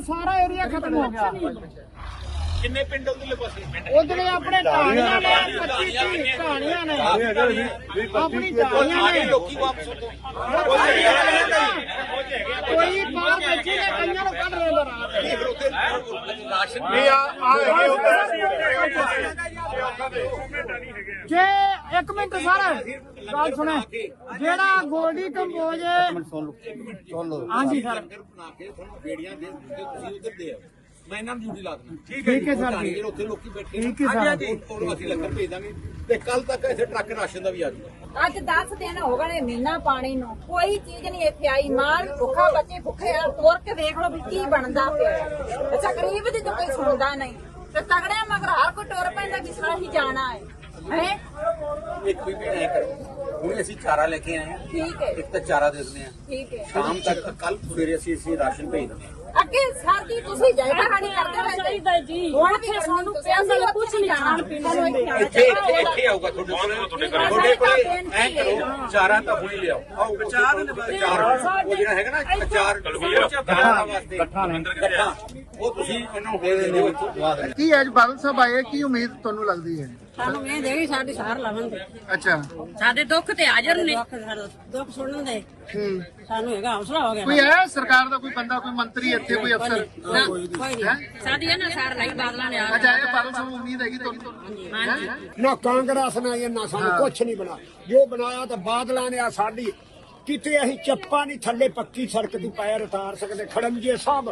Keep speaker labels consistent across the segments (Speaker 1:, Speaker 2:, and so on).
Speaker 1: सारा एरिया खत्म हो गया।
Speaker 2: किन्ने पिंड उधरले पासे
Speaker 1: उधरे अपने ढाणियां ने 25-30 ढाणियां ने अपनी ढाणियां ने
Speaker 2: लोकी वापस
Speaker 1: कोई बाहर बच्चे ने कईयां ਨੂੰ ਕੱਢ ਰਹੇ ਨੇ
Speaker 2: राशन
Speaker 1: ਰਾਤ ਜੇ 1 ਮਿੰਟ ਸਰ ਗੱਲ ਸੁਣੇ ਜਿਹੜਾ ਗੋਲਡੀ ਕੰਬੋਜ
Speaker 2: ਸੁਣ ਲਓ
Speaker 1: ਹਾਂਜੀ ਸਰ
Speaker 2: ਬਣਾ ਕੇ ਤੁਹਾਨੂੰ ਬੇੜੀਆਂ ਦੇ ਤੁਸੀਂ ਉਧਰ ਦੇ ਆਓ ਮੈਂ ਇਹਨਾਂ ਨੂੰ ਡਿਊਟੀ ਲਾ ਦਿੰਦਾ
Speaker 1: ਠੀਕ ਹੈ ਸਰ ਜੀ
Speaker 2: ਉੱਥੇ ਲੋਕੀ ਬੈਠੇ
Speaker 1: ਠੀਕ ਹੈ ਸਰ
Speaker 2: ਉਹਨੂੰ ਅਸੀਂ ਲੰਗਰ ਭੇਜ ਦਾਂਗੇ ਤੇ ਕੱਲ ਤੱਕ ਇੱਥੇ ਟਰੱਕ ਰਾਸ਼ਨ ਦਾ ਵੀ ਆ ਜਾਊਗਾ
Speaker 3: ਅੱਜ 10 ਦਿਨ ਹੋ ਗਏ ਮਹੀਨਾ ਪਾਣੀ ਨੂੰ ਕੋਈ ਚੀਜ਼ ਨਹੀਂ ਇੱਥੇ ਆਈ ਮਾਲ ਭੁੱਖਾ ਬੱਚੇ ਭੁੱਖੇ ਆ ਤੋਰ ਕੇ ਦੇਖ ਲਓ ਵੀ ਕੀ ਬਣਦਾ ਪਿਆ ਅੱਛਾ ਗਰੀਬ ਦੀ ਤਾਂ ਕੋਈ ਸੁਣਦਾ ਨਹੀਂ ਤੇ ਤਗੜਿਆਂ ਮਗਰ ਹਰ ਕੋਈ ਟੁਰ ਪੈਂਦਾ ਜਿਸ ਤਰ੍ਹਾਂ ਹੀ ਜਾਣਾ ਹੈ ਹੈ
Speaker 2: ਇੱਕ ਵੀ ਨਹੀਂ ਕਰੋ ਹੁਣ ਅਸੀਂ ਚਾਰਾ ਲੈ ਕੇ ਆਏ ਹਾਂ
Speaker 3: ਠੀਕ ਹੈ
Speaker 2: ਇੱਕ ਤਾਂ ਚਾਰਾ ਦੇ ਦਿੰਦੇ ਆ
Speaker 3: ਠੀਕ ਹੈ
Speaker 2: ਸ਼ਾਮ ਤੱਕ ਕੱਲ ਸਵੇਰੇ ਅਸੀਂ ਰਾਸ਼ਨ ਭੇਜ ਦਿੰਦੇ ਹਾਂ
Speaker 3: ਅੱਗੇ ਸਰ ਜੀ ਤੁਸੀਂ ਜਾਇਦਾ ਖਾਣੀ ਕਰਦੇ ਹੋਏ ਚਾਹੀਦਾ ਜੀ ਹੁਣ ਵੀ ਸਾਨੂੰ ਪੈਸੇ ਨਾਲ ਕੁਝ ਨਹੀਂ ਖਾਣ ਪੀਣ ਨੂੰ
Speaker 2: ਇੱਥੇ ਆਊਗਾ ਤੁਹਾਡੇ ਕੋਲੇ ਐ ਕਰੋ ਚਾਰਾ ਤਾਂ ਹੁਣੀ ਲਿਆਓ ਆਓ ਚਾਰ ਉਹ ਜਿਹੜਾ ਹੈਗਾ ਨਾ ਚਾਰ ਵਾਸਤੇ ਇਕੱਠਾ ਉਹ ਤੁਸੀਂ ਇਹਨਾਂ ਨੂੰ ਦੇ ਦਿੰਦੇ ਹੋ
Speaker 1: ਕੀ ਅੱਜ ਬਾਦਲ ਸਾਹਿਬ ਆਏ ਕੀ ਉਮੀਦ ਤੁਹਾਨੂੰ ਲੱਗਦੀ ਹੈ
Speaker 4: ਸਾਨੂੰ ਇਹ ਦੇਗੀ ਸਾਡੀ ਸਾਰ ਲਵਣਗੇ
Speaker 1: ਅੱਛਾ
Speaker 4: ਸਾਡੇ ਦੁੱਖ ਤੇ ਹਾਜ਼ਰ ਨੇ ਦੁੱਖ ਸੁਣਨ ਦੇ ਸਾਨੂੰ ਹੈਗਾ ਹੌਸਲਾ ਹੋ ਗਿਆ
Speaker 1: ਕੋਈ ਹੈ ਸਰਕਾਰ ਦਾ ਕੋਈ ਬੰਦਾ ਕੋਈ ਮੰਤਰੀ ਇੱਥੇ ਕੋਈ ਅਫਸਰ
Speaker 4: ਕੋਈ ਨਹੀਂ ਸਾਡੀ ਇਹਨਾਂ ਸਾਰ ਲਈ ਬਾਦਲਾਂ ਨੇ ਆ
Speaker 1: ਅੱਛਾ ਇਹ ਬਾਦਲ ਸਾਹਿਬ ਨੂੰ ਉਮੀਦ ਹੈਗੀ ਤੁਹਾਨੂੰ
Speaker 4: ਹਾਂਜੀ
Speaker 5: ਨਾ ਕਾਂਗਰਸ ਨੇ ਨਾ ਸਾਨੂੰ ਕੁਛ ਨਹੀਂ ਬਣਾ ਜੋ ਬਣਾਇਆ ਤਾਂ ਬਾਦਲਾਂ ਨੇ ਆ ਸਾਡੀ ਕਿਤੇ ਅਸੀਂ ਚੱਪਾ ਨਹੀਂ ਥੱਲੇ ਪੱਕੀ ਸੜਕ ਦੀ ਪੈਰ ਉਤਾਰ ਸਕਦੇ ਖੜੰਜੇ ਸਭ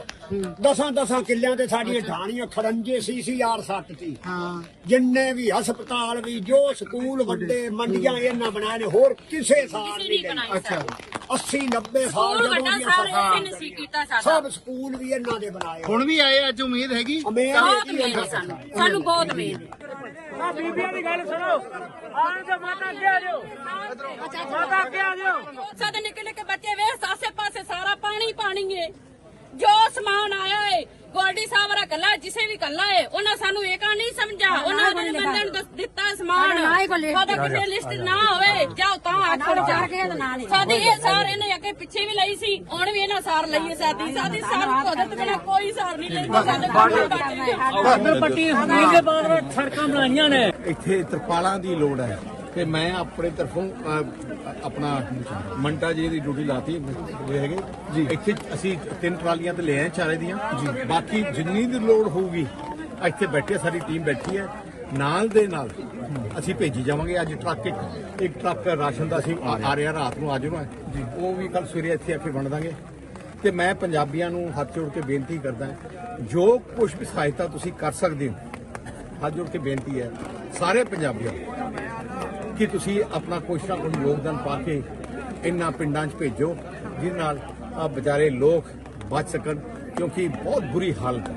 Speaker 5: 10 ਕਿੱਲਿਆਂ ਤੇ ਸਾਡੀਆਂ ਢਾਣੀਆਂ ਖੜੰਜੇ CCR ਸੱਟ ਸੀ ਜਿੰਨੇ ਵੀ ਹਸਪਤਾਲ ਵੀ ਜੋ ਸਕੂਲ ਵੱਡੇ ਮੰਡੀਆਂ ਇਹਨਾਂ ਬਣਾਏ ਨੇ ਹੋਰ ਕਿਸੇ ਸਾਲ ਨਹੀਂ ਬਣੇ
Speaker 1: ਅੱਛਾ
Speaker 5: 80-90 ਸਾਲ
Speaker 4: ਸਕੂਲ ਵੱਡਾ ਸਾਰ
Speaker 5: ਜਦੋਂ
Speaker 4: ਇਹਨੇ ਸੀ ਕੀਤਾ ਸਾਡਾ
Speaker 5: ਸਭ ਸਕੂਲ ਵੀ ਇਹਨਾਂ ਦੇ ਬਣਾਏ
Speaker 1: ਹੁਣ ਵੀ ਆਏ ਅੱਜ ਉਮੀਦ ਹੈਗੀ
Speaker 4: ਬਹੁਤ ਮਿਹਨਤ ਹੈ ਸਾਨੂੰ ਬਹੁਤ ਮਿਹਨਤ
Speaker 1: ਬੀਬੀਆਂ ਦੀ ਗੱਲ ਸੁਣੋ ਆਣ ਕੇ ਮਾਤਾ ਅੱਗੇ ਆ ਜਾਓ ਮਾਤਾ ਅੱਗੇ ਆ ਜਾਓ
Speaker 4: ਸਾਡੇ ਨਿੱਕੇ ਨਿੱਕੇ ਬੱਚੇ ਵੇਖ ਆਸੇ ਪਾਸੇ ਸਾਰਾ ਪਾਣੀ ਪਾਣੀ ਏ ਜੋ ਸਮਾਨ ਆਇਆ ਏ ਗੋਲਡੀ ਸਾਹਿਬ ਵਰਾ ਕੱਲਾ ਜਿਸੇ ਵੀ ਕੱਲਾ ਏ ਉਹਨਾਂ ਸਾਨੂੰ ਇਹ ਕਾ ਨਹੀਂ ਸਮਝਾ ਉਹਨਾਂ ਨੇ ਬੰਦੇ ਨੂੰ ਦਿੱਤਾ ਸਮਾਨ ਸਾਡਾ ਕਿਸੇ ਲਿਸਟ ਨਾ ਹੋਵੇ ਜਾਓ ਤਾਂ ਆਖੜ ਜਾ ਕੇ ਨਾਲ ਸਾਡੀ ਇਹ ਸਾਰ ਇਹਨੇ ਅੱਗੇ ਪਿੱਛੇ ਵੀ ਲਈ ਸੀ ਹੁਣ ਵੀ ਇਹਨਾਂ ਸਾਰ ਲਈਏ ਸਾਡੀ ਸਾਰ ਕੁਦਰਤ ਬਿਨਾ ਕੋਈ ਸਾਰ ਨਹੀਂ ਲੈਂਦਾ ਸਾਡੇ
Speaker 1: ਬਾਰਡਰ ਪੱਟੀ ਦੇ ਬਾਅਦ ਸੜਕਾਂ ਬਣਾਈਆਂ ਨੇ
Speaker 6: ਇੱਥੇ ਤਰਪਾਲਾਂ ਦੀ ਲੋੜ ਹੈ ਤੇ ਮੈਂ ਆਪਣੇ ਤਰਫੋਂ ਆਪਣਾ ਮੰਟਾ ਜੀ ਦੀ ਡਿਊਟੀ ਲਾਤੀ ਹੈਗੇ ਜੀ ਇੱਥੇ ਅਸੀਂ 3 ਟਰਾਲੀਆਂ ਤੇ ਲੈ ਆਏ ਚਾਰੇ ਦੀਆਂ ਜੀ ਬਾਕੀ ਜਿੰਨੀ ਦੀ ਲੋੜ ਹੋਊਗੀ ਇੱਥੇ ਬੈਠੇ ਸਾਡੀ ਟੀਮ ਬੈਠੀ ਹੈ ਨਾਲ ਦੇ ਨਾਲ ਅਸੀਂ ਭੇਜੀ ਜਾਵਾਂਗੇ ਅੱਜ ਟਰੱਕ ਇੱਕ ਟਰੱਕ ਰਾਸ਼ਨ ਦਾ ਅਸੀਂ ਆ ਰਿਹਾ ਰਾਤ ਨੂੰ ਅੱਜ ਨੂੰ ਜੀ ਉਹ ਵੀ ਕੱਲ ਸਵੇਰੇ ਇੱਥੇ ਆ ਕੇ ਵੰਡ ਦਾਂਗੇ ਤੇ ਮੈਂ ਪੰਜਾਬੀਆਂ ਨੂੰ ਹੱਥ ਜੋੜ ਕੇ ਬੇਨਤੀ ਕਰਦਾ ਜੋ ਕੁਝ ਵੀ ਸਹਾਇਤਾ ਤੁਸੀਂ ਕਰ ਸਕਦੇ ਹੋ ਹੱਥ ਜੋੜ ਕੇ ਬੇਨਤੀ ਹੈ ਸਾਰੇ ਪੰਜਾਬੀਆਂ ਕਿ ਤੁਸੀਂ ਆਪਣਾ ਕੁਛ ਨਾ ਕੁਛ ਯੋਗਦਾਨ ਪਾ ਕੇ ਇਹਨਾਂ ਪਿੰਡਾਂ 'ਚ ਭੇਜੋ ਜਿਸ ਨਾਲ ਆ ਵਿਚਾਰੇ ਲੋਕ ਬਚ ਸਕਣ ਕਿਉਂਕਿ ਬਹੁਤ ਬੁਰੀ ਹਾਲਤ ਹੈ।